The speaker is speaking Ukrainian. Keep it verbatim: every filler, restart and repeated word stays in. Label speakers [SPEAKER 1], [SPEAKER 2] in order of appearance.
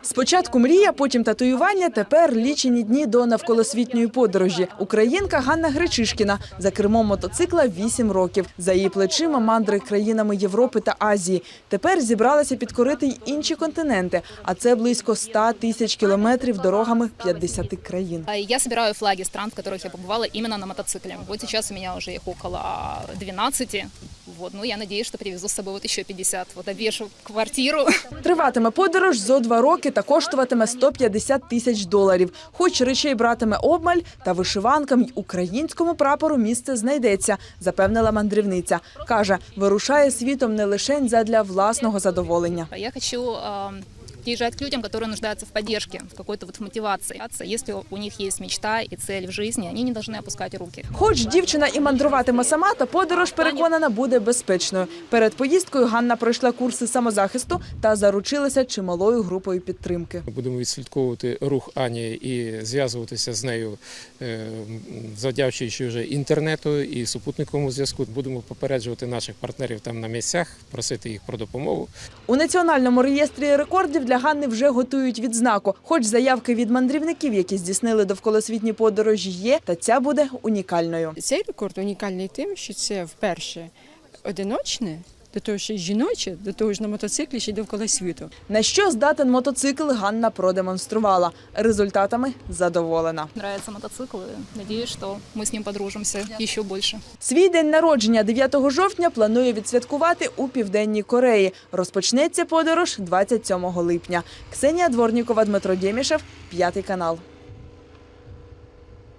[SPEAKER 1] Спочатку мрія, потім татуювання, тепер лічені дні до навколосвітньої подорожі. Українка Ганна Гречишкіна за кермом мотоцикла вісім років. За її плечима мандри країнами Європи та Азії. Тепер зібралася підкорити й інші континенти, а це близько ста тисяч кілометрів дорогами п'ятдесяти країн.
[SPEAKER 2] Я собираю флаги стран, в которых я побывала именно на мотоцикле. Вот сейчас у меня уже их около двенадцати. Вот, ну, я надеюсь, что привезу с собой вот еще пятьдесят. Вот обвешу квартиру.
[SPEAKER 1] Триватиме подорож зо два роки та коштуватиме сто п'ятдесят тисяч доларів. Хоч речей братиме обмаль, та вишиванкам й українському прапору місце знайдеться, запевнила мандрівниця. Каже, вирушає світом не лише задля власного задоволення.
[SPEAKER 2] Я хочу приезжать к людям, которые нуждаются в поддержке, в какой-то вот мотивации. Если у них есть мечта и цель в жизни, они не должны опускать руки.
[SPEAKER 1] Хоч дівчина і мандруватиме сама, та подорож, переконана, буде безпечною. Перед поїздкою Ганна пройшла курси самозахисту та заручилася чималою групою підтримки.
[SPEAKER 3] Будемо відслідковувати рух Ані і зв'язуватися з нею, завдячуючи вже інтернету і супутниковому зв'язку. Будемо попереджувати наших партнерів там на місцях, просити їх про допомогу.
[SPEAKER 1] У Національному реєстрі рекордів для Ганни вже готують відзнаку. Хоч заявки від мандрівників, які здійснили довколосвітні подорожі, є, та ця буде унікальною.
[SPEAKER 4] Цей рекорд унікальний тим, що це вперше одиночне, до того ж жіноче, до того ж на мотоциклі ще й довкола світу.
[SPEAKER 1] На що здатен мотоцикл, Ганна продемонструвала. Результатами задоволена.
[SPEAKER 2] Нравится мотоцикл, и надеюсь, что мы с ним подружимся еще больше.
[SPEAKER 1] Свій день народження дев'ятого жовтня планує відсвяткувати у Південній Кореї. Розпочнеться подорож двадцять сьомого липня. Ксенія Дворнікова, Дмитро Дємішев, П'ятий канал.